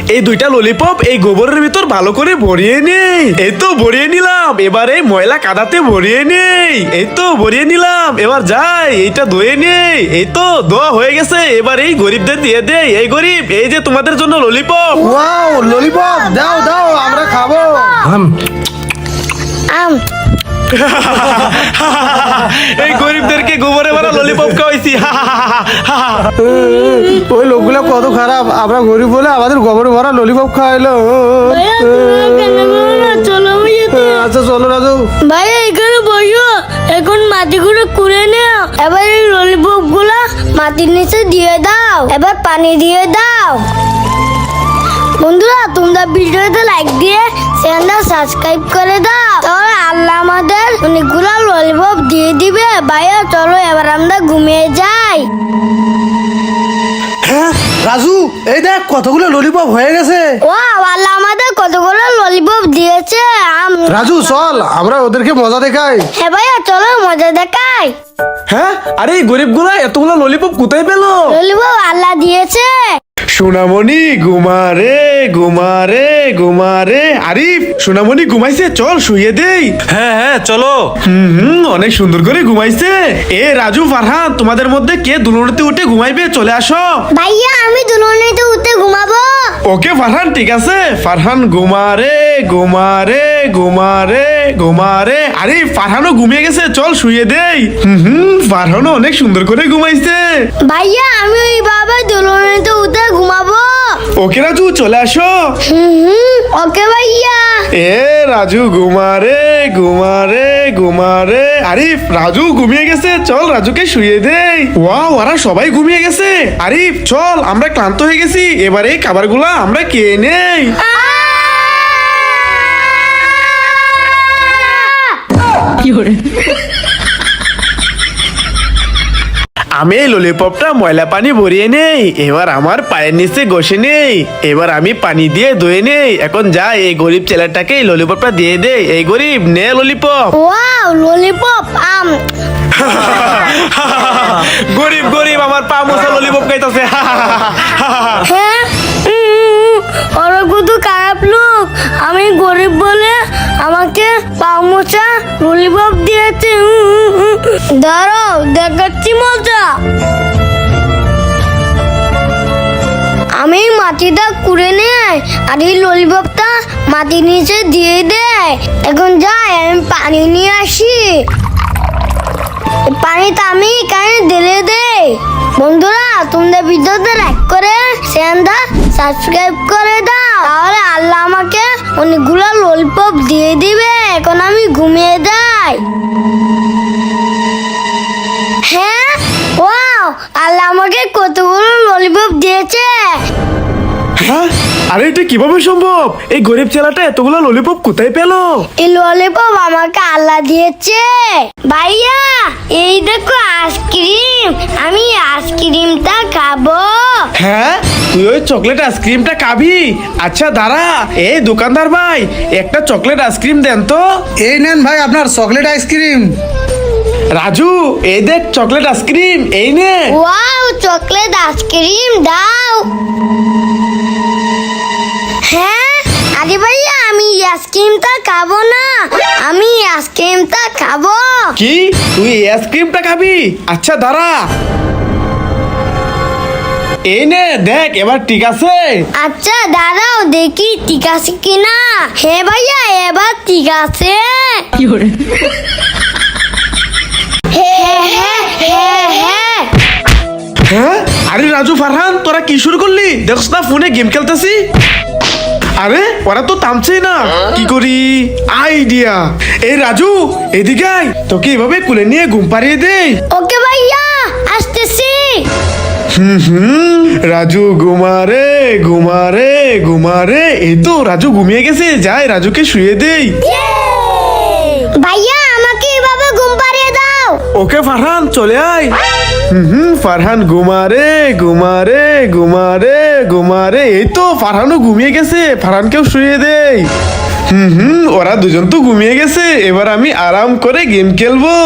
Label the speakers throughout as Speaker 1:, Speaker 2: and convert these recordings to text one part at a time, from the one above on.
Speaker 1: এই দুইটা ললিপপ এই গোবরের ভিতর ভালো করে ভরিয়ে নেই। এই তো ভরিয়ে নিলাম, এবার এই ময়লা কাদাতে ভরিয়ে নেই। এই তো ভরিয়ে নিলাম, এবার যাই এইটা ধুয়ে নেই। এই তো ধোয়া হয়ে গেছে, এবার এই গরিবদের দিয়ে দেই। এই গরিব, এই যে তোমাদের জন্য ললিপপ।
Speaker 2: ওয়াও, ললিপপ দাও দাও, আমরা খাবো।
Speaker 1: এই গরিবদেরকে গোবরে ভরা ললিপপ খাওয়াইছি।
Speaker 2: ওই লোকগুলো কত খারাপ, আমরা গরিব বলে আমাদের গোবরে ভরা ললিপপ খাওয়াইলো। আচ্ছা চলো রাজু।
Speaker 3: ভাই এখানে বসো, এখন মাটিগুলো কুড়ে নাও। এবার এই ললিপপ গুলা মাটির নিচে দিয়ে দাও, এবার পানি দিয়ে দাও। বন্ধুরা, তোমরা ভিডিওতে লাইক দিয়ে চ্যানেলটা সাবস্ক্রাইব করে দাও, তাহলে আল্লাহ আমাদের অনেকগুলো ললিপপ দিয়ে দিবে। ভাইয়া চলো এবার আমরা ঘুমিয়ে যাই।
Speaker 2: হ্যাঁ রাজু, এই দেখ কতগুলো ললিপপ হয়ে গেছে।
Speaker 3: ও আল্লাহ আমাদের কতগুলো ললিপপ দিয়েছে।
Speaker 2: রাজু চল আমরা ওদেরকে মজা দেখাই।
Speaker 3: হ্যাঁ ভাইয়া চলো মজা দেখাই।
Speaker 1: হ্যাঁ, আরে এই গরিবগুলা এতগুলো ললিপপ কোথায় পেলো?
Speaker 3: ললিপপ আল্লাহ দিয়েছে।
Speaker 1: সোনামণি ঘুমারে ঘুমারে ঘুমারে। আরিফ, সোনামণি ঘুমাইছে, চল শুয়ে দেই।
Speaker 4: হ্যাঁ হ্যাঁ চলো।
Speaker 1: অনেক সুন্দর করে ঘুমাইছে। এ রাজু, ফারহান, তোমাদের মধ্যে কে দুলুনিতে উঠে ঘুমাইবে? চলে আসো।
Speaker 3: ভাইয়া আমি দুলনিতে উঠে ঘুমাবো।
Speaker 1: ওকে ফারহান, ঠিক আছে। ফারহান ঘুমারে ঘুমারে ঘুমারে ঘুমারে। আরে ফারহানও ঘুমিয়ে গেছে, চল শুয়ে দেই। ফারহানও অনেক সুন্দর করে ঘুমাইছে।
Speaker 3: ভাইয়া আমি ওইভাবে দুলনিতে উঠে ঘুমাবো।
Speaker 1: ওকে রাজু, চলে আসো।
Speaker 3: ওকে ভাইয়া।
Speaker 1: এ রাজু ঘুমারে ঘুমারে ঘুমারে। আরিফ, রাজু ঘুমিয়ে গেছে, চল রাজুকে শুয়ে দেই। ওয়াও, ওরা সবাই ঘুমিয়ে গেছে। আরিফ চল, আমরা ক্লান্ত হয়ে গেছি, এবারে এই খাবারগুলা আমরা খেয়ে নেই। আমি এই ললিপপটা ময়লা পানি ভরিয়ে নেই, এবার আমার পায়ের নিচে ঘষে নেই, এবার আমি পানি দিয়ে ধুয়ে নেই। এখন যাই এই গরিব ছেলেটাকে এই ললিপপটা দিয়ে দেই। এই গরিব, নে ললিপপ।
Speaker 3: ওয়াও ললিপপ আম।
Speaker 1: গরিব গরিব আমার পা মোছা ললিপপ খাইতেছে।
Speaker 3: হ্যাঁ ওরা কত খারাপ লোক, আমি গরিব বলে আমাকে পামোচা ললিপপ দিয়েছে। দাঁড়াও দেখাচ্ছি মজা। আমি মাটিটা কুড়ে নেই আর এই ললিপপটা মাটির নিচে দিয়ে দেয়। এখন যাই আমি পানি নিয়ে আসি। পানিটা আমি এখানে ঢেলে দেই। বন্ধুরা, তোমরা ভিডিওতে লাইক করে চ্যানেলটা সাবস্ক্রাইব করে দাও, তাহলে আল্লাহ আমাকে অনেকগুলো ললিপপ দিয়ে দিবে। এখন আমি ঘুমিয়ে যাই। হ্যাঁ ওয়াও, আল্লাহ আমাকে কতগুলো ললিপপ দিয়েছে।
Speaker 1: হ্যাঁ, আরে এটা কিভাবে সম্ভব? এই গরিব ছেলেটা এতগুলো ললিপপ কোথায় পেলো?
Speaker 3: এই ললিপপ আমাকে আল্লাহ দিয়েছে। ভাইয়া এই দেখো আইসক্রিম, আমি আইসক্রিমটা খাবো।
Speaker 1: হ্যাঁ, তুই ওই চকলেট আইসক্রিমটা খাবি? আচ্ছা দাঁড়া, এই দোকানদার ভাই, একটা চকলেট আইসক্রিম দেন তো।
Speaker 2: এই নেন ভাই আপনার চকলেট আইসক্রিম।
Speaker 1: রাজু, এই দেখ চকলেট আইসক্রিম, এই নে।
Speaker 3: ওয়াও চকলেট আইসক্রিম দাও। হ্যাঁ আরে ভাইয়া আমি আইসক্রিমটা খাবো না, আমি আইসক্রিমটা খাবো।
Speaker 1: কি, তুই এই আইসক্রিমটা খাবি? আচ্ছা দাঁড়া, এই নে দেখ, এবার ঠিক আছে।
Speaker 3: আচ্ছা দাঁড়াও দেখি ঠিক আছে কিনা। হ্যাঁ ভাইয়া এবার ঠিক আছে। হ্যাঁ হ্যাঁ হ্যাঁ হ্যাঁ।
Speaker 1: হ্যাঁ, আরে রাজু, ফারহান, তোরা কি শুরু করলি? দেখছ না ফোনে গেম খেলতেছি। আরে ওরা তো থামছেই না, কি করি? আইডিয়া। এই রাজু, এদিকে আয়, তোকে এভাবে কুলে নিয়ে ঘুম পাড়িয়ে দেই।
Speaker 3: ওকে ভাইয়া আসতেছি।
Speaker 1: রাজু ঘুমারে ঘুমারে ঘুমারে। এই তো রাজু ঘুমিয়ে গেছে, যাই রাজুকে শুয়ে দেই।
Speaker 3: ভাইয়া আমাকে এভাবে ঘুম পাড়িয়ে দাও।
Speaker 1: ওকে ফারহান, চলে আয়। ফারহান ঘুমারে ঘুমারে ঘুমারে ঘুমারে। এই তো ফারহানও ঘুমিয়ে গেছে, ফারহানকেও শুয়ে দেই। ওরা দুজন তো ঘুমিয়ে গেছে, এবার আমি আরাম করে গেম খেলবো।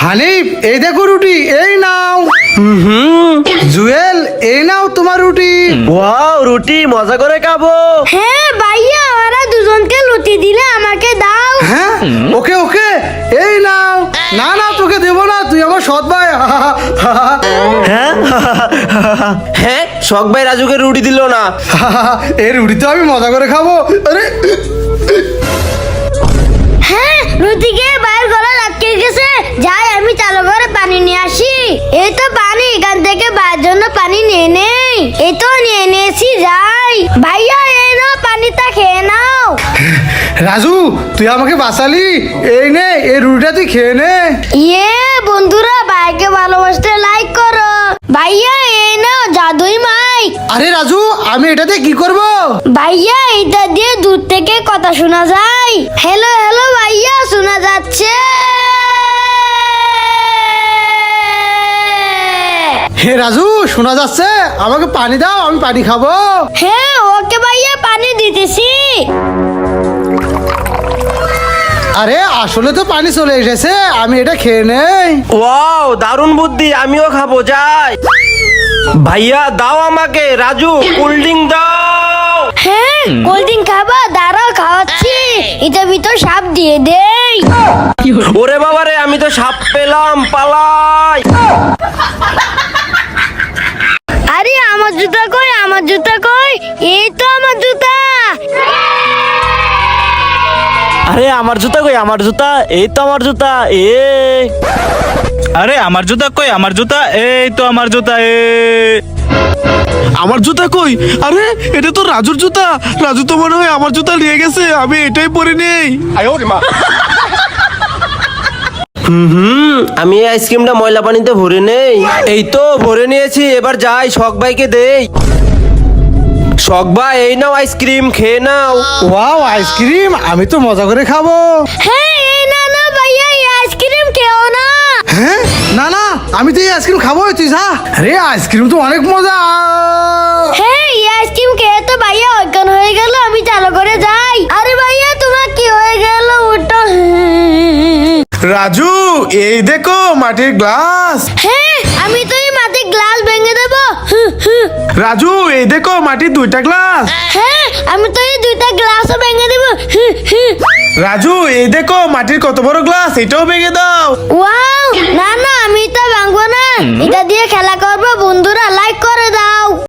Speaker 2: হানিফ এই দেখো রুটি, এই নাও। জুয়েল এই নাও তোমার রুটি।
Speaker 4: ওয়াও, রুটি মজা করে খাবো।
Speaker 3: হ্যাঁ ভাইয়া, ওরা দুজনকে লুটি দিলে আমাকে দাও।
Speaker 2: হ্যাঁ ওকে ওকে, এই নাও। না না তোকে দেবো না, তুই আমার সৎ ভাই।
Speaker 4: হ্যাঁ হ্যাঁ, শখ ভাই রাজুকে রুটি দিল না।
Speaker 2: এই রুটি তো আমি মজা করে খাবো। আরে
Speaker 3: হ্যাঁ, রুটিকে বাইরের গলা আটকে গেছে। যাই আমি চালু করে পানি নিয়ে আসি। এই তো পানি, এখান থেকে বাইরের জন্য পানি নিয়ে নেই। এই তো নিয়ে নিয়েছি, যাই। ভাইয়া এই নাও, পানিটা খেয়ে নাও।
Speaker 2: রাজু তুই আমাকে বাঁচালি, এই নে এই রুটিটা তুই খেয়ে নে।
Speaker 3: ইয়ে বন্ধুরা, ভাইকে ভালোবাসতে লাইক করো। ভাইয়া এই নাও জাদুই মাইক।
Speaker 2: আরে রাজু আমি এটাতে কি করব?
Speaker 3: ভাইয়া এটা দিয়ে দূর থেকে কথা শোনা যায়। হ্যালো হ্যালো ভাইয়া, শোনা যাচ্ছে।
Speaker 2: হে রাজু শোনা যাচ্ছে, আমাকে পানি দাও, আমি পানি খাবো।
Speaker 3: হ্যাঁ ওকে ভাইয়া, পানি দিতেছি।
Speaker 2: আরে আসলে তো পানি চলে এসেছে, আমি এটা খেয়ে নেই।
Speaker 4: ওয়াও, দারুণ বুদ্ধি, আমিও খাবো, যাই। ভাইয়া দাও আমাকে, রাজু কোল্ড ড্রিঙ্ক দাও।
Speaker 3: হ্যাঁ কোল্ড ড্রিঙ্ক খাবা, দাঁড়াও খাওয়াচ্ছি। এটা ভিতর সাপ দিয়ে দেই।
Speaker 4: ওরে বাবারে, আমি তো সাপ পেলাম, পালাই।
Speaker 3: আরে আমার জুতা কই, আমার জুতা কই? এই তো আমার জুতা।
Speaker 5: আরে আমার জুতা কই, আমার জুতা, এই তো আমার জুতা। আরে আমার জুতা কই, আমার জুতা, এই তো আমার জুতা।
Speaker 1: আমার জুতা কই? আরে এটা তো রাজুর জুতা। রাজু তো মনে হয় আমার জুতা নিয়ে গেছে, আমি এটাই পরে নেই।
Speaker 4: আমি এই আইসক্রিমটা ময়লা পানিতে ভরে নেই। এই তো ভরে নিয়েছি, এবার যাই শখ ভাইকে দেই। শখ ভাই এই নাও আইসক্রিম, খেয়ে নাও।
Speaker 2: ওয়াও আইসক্রিম, আমি তো মজা করে খাবো।
Speaker 3: হ্যাঁ এই না না ভাইয়া, এই আইসক্রিম খেও না।
Speaker 2: হ্যাঁ না না, আমি তো এই আইসক্রিম খাবো, তুই যা। আরে আইসক্রিম তো অনেক মজা।
Speaker 3: হ্যাঁ এই আইসক্রিম খেয়ে তো ভাইয়া অজ্ঞান হয়ে গেল। আমি চালু করে যাই। আরে ভাইয়া তোমার কি হয়ে গেল? ওটা
Speaker 1: রাজু এই দেখো মাটির গ্লাস।
Speaker 3: হ্যাঁ আমি তো এই মাটির গ্লাস ভেঙে দেবো।
Speaker 1: রাজু এই দেখো মাটির দুইটা গ্লাস।
Speaker 3: হ্যাঁ আমি তো এই দুইটা গ্লাসও ভেঙে দেবো।
Speaker 1: রাজু এই দেখো মাটির কত বড় গ্লাস, এটাও ভেঙে দাও।
Speaker 3: ওয়াও, না না আমি তো ভাঙবো না। এটা দিয়ে খেলা করবো। বন্ধুরা লাইক করে দাও।